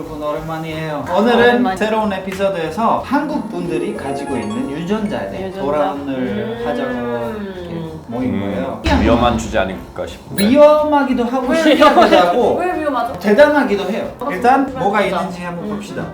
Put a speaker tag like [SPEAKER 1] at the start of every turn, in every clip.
[SPEAKER 1] 여러분 오랜만이에요. 오늘은 새로운 에피소드에서 한국 분들이 가지고 있는 유전자에 대해 토론을 하자고 모인 거예요.
[SPEAKER 2] 위험한 주제 아닐까 싶은데.
[SPEAKER 1] 위험하기도 하고 신기하기도 하고
[SPEAKER 3] 왜 위험하죠?
[SPEAKER 1] 대단하기도 해요. 일단 뭐가 있는지 한번 봅시다.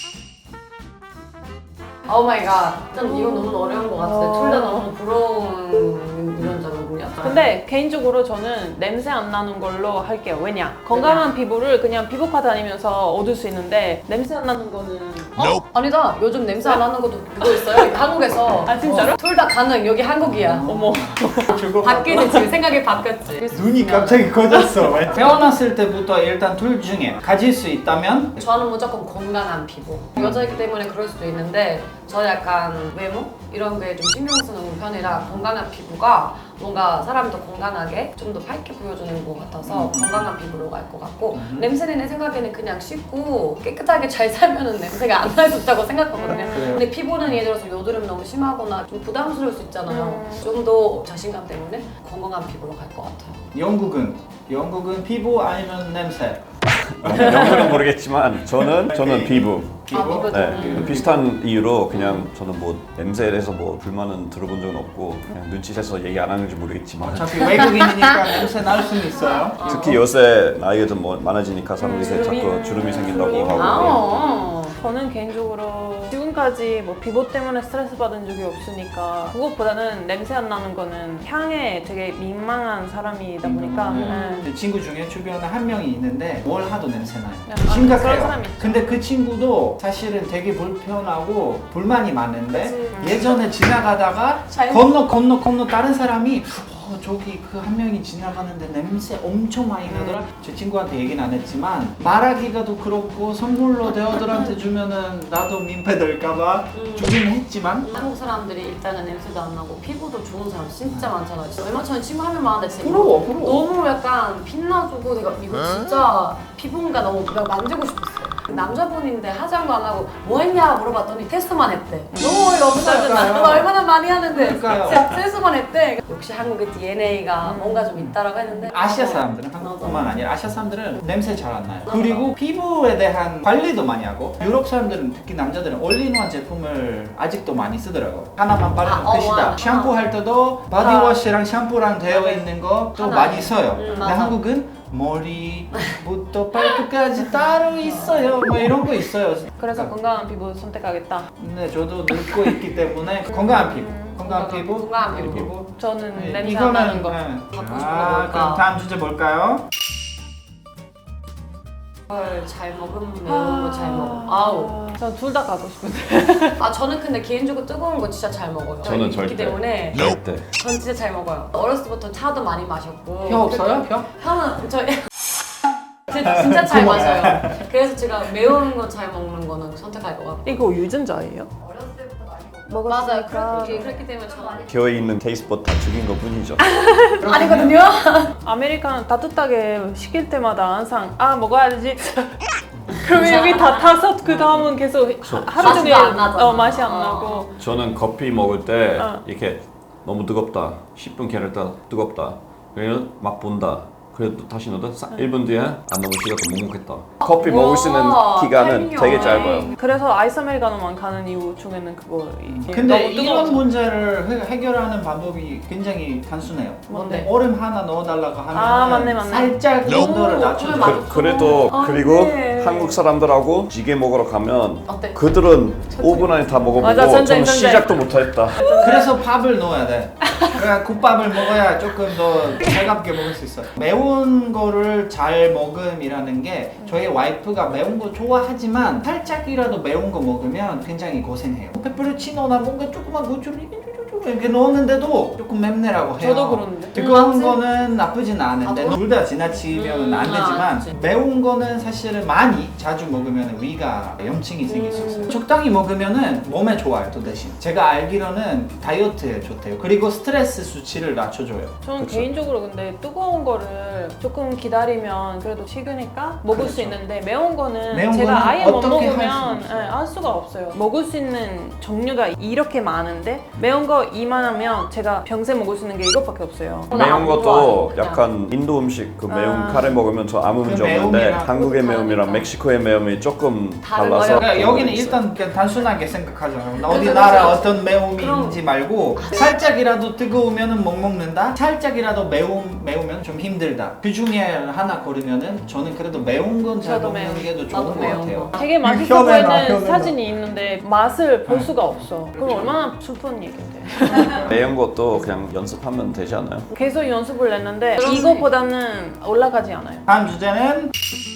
[SPEAKER 3] 오 마이 갓. 좀 이거 너무 어려운 것 같은데 둘 다 너무 부러운 유전자거든요.
[SPEAKER 4] 근데 개인적으로 저는 냄새 안 나는 걸로 할게요. 왜냐? 건강한 피부를 그냥 피부과 다니면서 얻을 수 있는데 냄새 안 나는 거는
[SPEAKER 3] 아니다. 요즘 냄새 안 나는 것도 그거 있어요. 한국에서.
[SPEAKER 4] 아 진짜로?
[SPEAKER 3] 둘 다 가능. 여기 한국이야.
[SPEAKER 4] 어머.
[SPEAKER 3] 바뀌는 지금 생각이 바뀌었지.
[SPEAKER 1] 눈이 갑자기 커졌어. 태어났을 때부터 일단 둘 중에 가질 수 있다면
[SPEAKER 3] 저는 무조건 건강한 피부. 여자이기 때문에 그럴 수도 있는데 저 약간 외모 이런 거에 좀 신경 쓰는 편이라 건강한 피부가 뭔가 사람도 건강하게 좀 더 밝게 보여주는 것 같아서 건강한 피부로 갈 것 같고 냄새는 내 생각에는 그냥 씻고 깨끗하게 잘 살면은 냄새가 안 날 수 있다고 생각하거든요. 근데 피부는 예를 들어서 여드름 너무 심하거나 좀 부담스러울 수 있잖아요. 좀 더 자신감 때문에 건강한 피부로 갈 것 같아요.
[SPEAKER 1] 영국은 피부 아니면 냄새?
[SPEAKER 2] 영어는 모르겠지만 저는 피부.
[SPEAKER 1] 피부?
[SPEAKER 2] 네, 비슷한 이유로 그냥 저는 뭐 냄새에 대해서 뭐 불만은 들어본 적은 없고 그냥 눈치채서 얘기 안 하는지 모르겠지만
[SPEAKER 1] 어차피 외국인이니까 냄새 날 수는 있어요.
[SPEAKER 2] 특히 요새 나이가 좀 많아지니까 사람들이 자꾸 주름이 생긴다고 하고
[SPEAKER 4] 저는 개인적으로 지금까지 뭐 피부 때문에 스트레스 받은 적이 없으니까 그것보다는 냄새 안 나는 거는 향에 되게 민망한 사람이다 보니까
[SPEAKER 1] 제 친구 중에 주변에 한 명이 있는데 뭘 하도 냄새 나요.
[SPEAKER 4] 그런
[SPEAKER 1] 심각해요.
[SPEAKER 4] 사람 있죠.
[SPEAKER 1] 근데 그 친구도 사실은 되게 불편하고 불만이 많은데 예전에 지나가다가 건너 다른 사람이 저기 그 한 명이 지나가는데 냄새 엄청 많이 나더라. 제 친구한테 얘기는 안 했지만 말하기가 도 그렇고 선물로 대어들한테 주면은 나도 민폐 될까봐 주긴 했지만
[SPEAKER 3] 한국 사람들이 일단은 냄새도 안 나고 피부도 좋은 사람 진짜 많잖아요. 진짜 얼마 전에 친구 한 명 많은데 진짜
[SPEAKER 1] 부러워.
[SPEAKER 3] 너무 약간 빛나주고 내가 이거 진짜 피부인가 너무 내가 만지고 싶었어요. 남자분인데 화장도 안 하고 뭐 했냐 물어봤더니 테스트만 했대. 너무 어이가 없어요.
[SPEAKER 1] 그러니까요.
[SPEAKER 3] 얼마나 많이 하는데
[SPEAKER 1] 그러니까요.
[SPEAKER 3] 테스트만 했대. 역시 한국의 DNA가 뭔가 좀 있다라고 했는데
[SPEAKER 1] 아시아 사람들은 한국뿐만 아니라 아시아 사람들은 냄새 잘 안 나요. 그리고 피부에 대한 관리도 많이 하고 유럽 사람들은 특히 남자들은 올인원 제품을 아직도 많이 쓰더라고. 하나만 바르면 끝이다. 샴푸할 때도 바디워시랑 샴푸랑 되어 있는 거 또 많이 써요. 근데
[SPEAKER 3] 맞아.
[SPEAKER 1] 한국은 머리부터 발끝까지 따로 있어요. 뭐 이런 거 있어요.
[SPEAKER 4] 그래서 건강한 피부 선택하겠다.
[SPEAKER 1] 근데 저도 늙고 있기 때문에 건강한 피부. 건강한 피부.
[SPEAKER 3] 건강한 피부.
[SPEAKER 4] 저는 냄새 안 나는 거.
[SPEAKER 3] 갖고 싶은 거 뭘까?
[SPEAKER 1] 그럼 다음 주제 볼까요?
[SPEAKER 3] 걸 잘 먹으면 매운 거 잘 먹어. 아우.
[SPEAKER 4] 전 둘 다 가고 싶은데.
[SPEAKER 3] 저는 근데 개인적으로 뜨거운 거 진짜 잘 먹어요.
[SPEAKER 2] 저는
[SPEAKER 3] 있기
[SPEAKER 2] 절대.
[SPEAKER 3] 때문에
[SPEAKER 2] 절대.
[SPEAKER 3] 전 진짜 잘 먹어요. 어렸을 때부터 차도 많이 마셨고.
[SPEAKER 1] 혀 없어요? 혀?
[SPEAKER 3] 혀는 저희 진짜 잘 마셔요. 그래서 제가 매운 거 잘 먹는 거는 선택할 것 같고.
[SPEAKER 4] 이거 유전자예요?
[SPEAKER 3] 맞아요. 그렇기 때문에 저는
[SPEAKER 2] 겨에 있는 테이스트 다 죽인 것 뿐이죠.
[SPEAKER 3] 아니거든요.
[SPEAKER 4] 아메리카노 따뜻하게 시킬 때마다 항상 먹어야지. 그러면 여기 다 타서 그 다음은 계속 하루 종일
[SPEAKER 3] 맛이 안 나잖아.
[SPEAKER 4] 맛이 안 나고.
[SPEAKER 2] 저는 커피 먹을 때 이렇게 너무 뜨겁다 10분 기다렸다 뜨겁다 그래서 막 본다 그래도 다시 넣어도 1분 뒤에 안 넘으시가 더 묵묵했다. 커피 먹을 수 있는 기간은
[SPEAKER 3] 땡겨.
[SPEAKER 2] 되게 짧아요.
[SPEAKER 4] 그래서 아이스 아메리카노만 가는 이유 중에는 그거.
[SPEAKER 1] 근데
[SPEAKER 4] 너무
[SPEAKER 1] 이런
[SPEAKER 4] 뜨거워서.
[SPEAKER 1] 문제를 해결하는 방법이 굉장히 단순해요.
[SPEAKER 3] 뭔데?
[SPEAKER 1] 얼음 하나 넣어달라고 하면
[SPEAKER 4] 맞네.
[SPEAKER 1] 살짝 온도를 낮춰줘.
[SPEAKER 3] 맞아.
[SPEAKER 2] 그래도 그리고
[SPEAKER 4] 네.
[SPEAKER 2] 한국 사람들하고 찌개 먹으러 가면
[SPEAKER 3] 어때?
[SPEAKER 2] 그들은 5분 안에 다 먹어보고
[SPEAKER 4] 맞아,
[SPEAKER 2] 저는
[SPEAKER 4] 전쟁.
[SPEAKER 2] 시작도 못했다.
[SPEAKER 1] 그래서 밥을 넣어야 돼. 그래 국밥을 먹어야 조금 더 차갑게 먹을 수 있어. 매운 거를 잘 먹음이라는 게 저희 와이프가 매운 거 좋아하지만 살짝이라도 매운 거 먹으면 굉장히 고생해요. 페페로치노나 뭔가 조그만 고추를 이렇게 넣었는데도 조금 맵네라고 해요.
[SPEAKER 4] 저도 그러는데.
[SPEAKER 1] 뜨거운
[SPEAKER 3] 맞지?
[SPEAKER 1] 거는 나쁘진 않은데
[SPEAKER 3] 아,
[SPEAKER 1] 둘 다 지나치면 안 되지만
[SPEAKER 3] 그치.
[SPEAKER 1] 매운 거는 사실은 많이 자주 먹으면 위가 염증이 생길 수 있어요. 적당히 먹으면은 몸에 좋아요. 또 대신 제가 알기로는 다이어트에 좋대요. 그리고 스트레스 수치를 낮춰줘요.
[SPEAKER 4] 저는
[SPEAKER 2] 그쵸.
[SPEAKER 4] 개인적으로 근데 뜨거운 거를 조금 기다리면 그래도 식으니까 먹을 수
[SPEAKER 1] 그렇죠.
[SPEAKER 4] 있는데 매운 거는
[SPEAKER 1] 매운
[SPEAKER 4] 제가
[SPEAKER 1] 거는
[SPEAKER 4] 아예 못
[SPEAKER 1] 어떻게 할
[SPEAKER 4] 먹으면
[SPEAKER 1] 수가 없어요.
[SPEAKER 4] 할 수가 없어요. 먹을 수 있는 종류가 이렇게 많은데 매운 거 거 이만하면 제가 평생 먹을 수 있는 게 이것밖에 없어요.
[SPEAKER 2] 매운 것도
[SPEAKER 3] 좋아해,
[SPEAKER 2] 약간 인도 음식 그 매운 카레 먹으면 저 아무 문제
[SPEAKER 1] 그
[SPEAKER 2] 없는데
[SPEAKER 1] 매움이랑
[SPEAKER 2] 한국의
[SPEAKER 3] 그것도
[SPEAKER 2] 매움이랑
[SPEAKER 3] 다르니까.
[SPEAKER 2] 멕시코의 매움이 조금
[SPEAKER 3] 다른
[SPEAKER 2] 달라서
[SPEAKER 3] 거예요?
[SPEAKER 1] 그러니까
[SPEAKER 2] 그런
[SPEAKER 1] 여기는
[SPEAKER 2] 거 있어요.
[SPEAKER 1] 일단 그냥 단순하게 생각하잖아요.
[SPEAKER 3] 그래서
[SPEAKER 1] 어디 나라
[SPEAKER 3] 그래서
[SPEAKER 1] 어떤 매움인지 말고 살짝이라도 뜨거우면은 못 먹는다. 살짝이라도 매우면 좀 힘들다. 그 중에 하나 고르면은 저는 그래도 매운 건 잘
[SPEAKER 4] 저도
[SPEAKER 1] 먹는
[SPEAKER 4] 매운
[SPEAKER 1] 게 더 좋은
[SPEAKER 3] 나도
[SPEAKER 1] 것
[SPEAKER 3] 매운
[SPEAKER 1] 같아요.
[SPEAKER 3] 거.
[SPEAKER 4] 되게 맛있어
[SPEAKER 1] 혀내놔,
[SPEAKER 4] 보이는
[SPEAKER 1] 혀내놔.
[SPEAKER 4] 사진이 있는데 맛을 볼
[SPEAKER 1] 네.
[SPEAKER 4] 수가 없어. 그럼
[SPEAKER 1] 그렇죠.
[SPEAKER 4] 얼마나 슬픈 얘긴데.
[SPEAKER 2] 매운 것도 그냥 연습하면 되지 않아요?
[SPEAKER 4] 계속 연습을 했는데
[SPEAKER 3] 그러네.
[SPEAKER 4] 이거보다는 올라가지 않아요.
[SPEAKER 1] 다음 주제는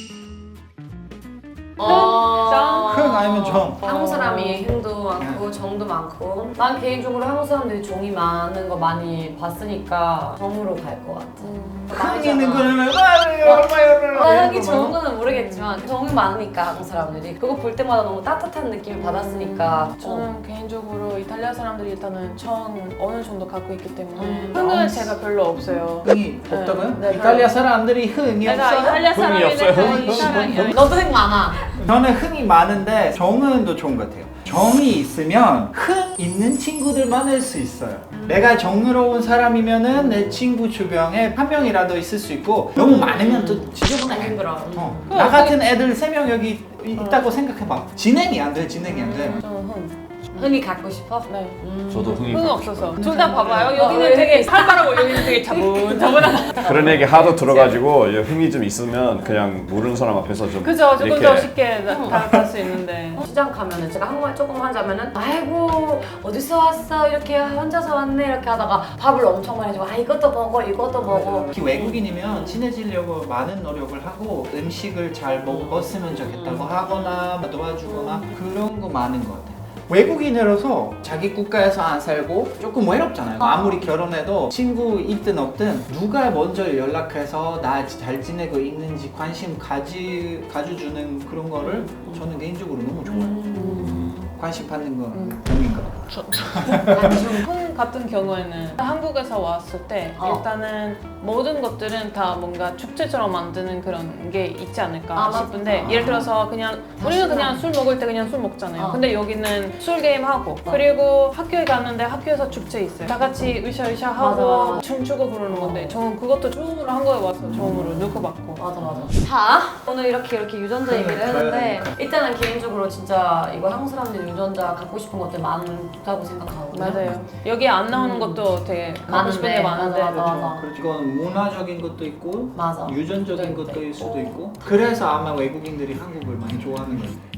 [SPEAKER 1] 흥 아니면 정.
[SPEAKER 3] 한국 사람이 흥도 많고 정도 많고 난 개인적으로 한국 사람들이 정이 많은 거 많이 봤으니까 정으로 갈 것 같아.
[SPEAKER 1] 흥 있는 거는 얼마요?
[SPEAKER 3] 하기 좋은 거는 모르겠지만 정이 많으니까 한국 사람들이 그거 볼 때마다 너무 따뜻한 느낌을 받았으니까
[SPEAKER 4] 저는 개인적으로 이탈리아 사람들이 일단은 정 어느 정도 갖고 있기 때문에
[SPEAKER 3] 음.
[SPEAKER 4] 흥은 제가 별로 없어요.
[SPEAKER 1] 흥이 없다고요?
[SPEAKER 4] 네,
[SPEAKER 1] 이탈리아 사람들이 흥이
[SPEAKER 4] 내가
[SPEAKER 1] 없어요?
[SPEAKER 4] 이탈리아
[SPEAKER 2] 흥이 없어요.
[SPEAKER 4] 사람인데 이 사람이
[SPEAKER 3] 너도 흥 많아.
[SPEAKER 1] 저는 흥이 많은데 정은 더 좋은 것 같아요. 정이 있으면 흥 있는 친구들 많을 수 있어요. 내가 정의로운 사람이면은 내 친구 주변에 한 명이라도 있을 수 있고 너무 많으면 또 지저분해.
[SPEAKER 3] 힘들어.
[SPEAKER 1] 나 같은 애들 3명 여기 있다고 생각해봐. 진행이 안 돼. 저는 흥.
[SPEAKER 3] 흥이 갖고 싶어?
[SPEAKER 4] 네.
[SPEAKER 2] 저도 흥이
[SPEAKER 4] 흥
[SPEAKER 2] 많아요.
[SPEAKER 4] 없어서 둘 다 봐봐요. 여기는 되게 살벌하고 여기는 되게 차분차분하다.
[SPEAKER 2] 그런 얘기 하도 들어가지고 흥이 좀 있으면 그냥 모르는 사람 앞에서 좀
[SPEAKER 4] 그죠? 조금
[SPEAKER 2] 이렇게
[SPEAKER 4] 더 쉽게 다가갈 수 있는데.
[SPEAKER 3] 시장 가면은 제가 한국말 조금 하자면은 아이고 어디서 왔어 이렇게 혼자서 왔네 이렇게 하다가 밥을 엄청 많이 주고 아 이것도 먹어 이것도 먹어.
[SPEAKER 1] 특히 외국인이면 친해지려고 많은 노력을 하고 음식을 잘 먹었으면 좋겠다고 하거나 도와주거나 그런 거 많은 것 같아요. 외국인으로서 자기 국가에서 안 살고 조금 외롭잖아요. 아무리 결혼해도 친구 있든 없든 누가 먼저 연락해서 나 잘 지내고 있는지 관심 가져주는 그런 거를 저는 개인적으로 너무 좋아해요. 관심 받는 건 정인 것 같아요.
[SPEAKER 4] 흥 같은 경우에는 한국에서 왔을 때 일단은 모든 것들은 다 뭔가 축제처럼 만드는 그런 게 있지 않을까 싶은데 예를 들어서 그냥 우리는 그냥 술 먹을 때 그냥 술 먹잖아요. 근데 여기는 술 게임 하고 그리고 학교에 갔는데 학교에서 축제 있어요. 다 같이 으쌰으쌰 하고
[SPEAKER 3] 맞아.
[SPEAKER 4] 춤추고 그러는 건데 저는 그것도 처음으로 한국에 와서 처음으로 느껴봤고.
[SPEAKER 3] 맞아. 자 오늘 이렇게 유전자 얘기를 했는데 일단은 개인적으로 진짜 이거 한국 사람들이 유전자 갖고 싶은 것들 많다고 생각하거든요.
[SPEAKER 4] 맞아요. 여기 안 나오는 것도 되게 갖고 싶은 게 많은데.
[SPEAKER 3] 맞아.
[SPEAKER 1] 그렇죠. 이건 문화적인 것도 있고
[SPEAKER 3] 맞아.
[SPEAKER 1] 유전적인 것도 일 수도 있고 그래서 아마 외국인들이 한국을 많이 좋아하는 거예요.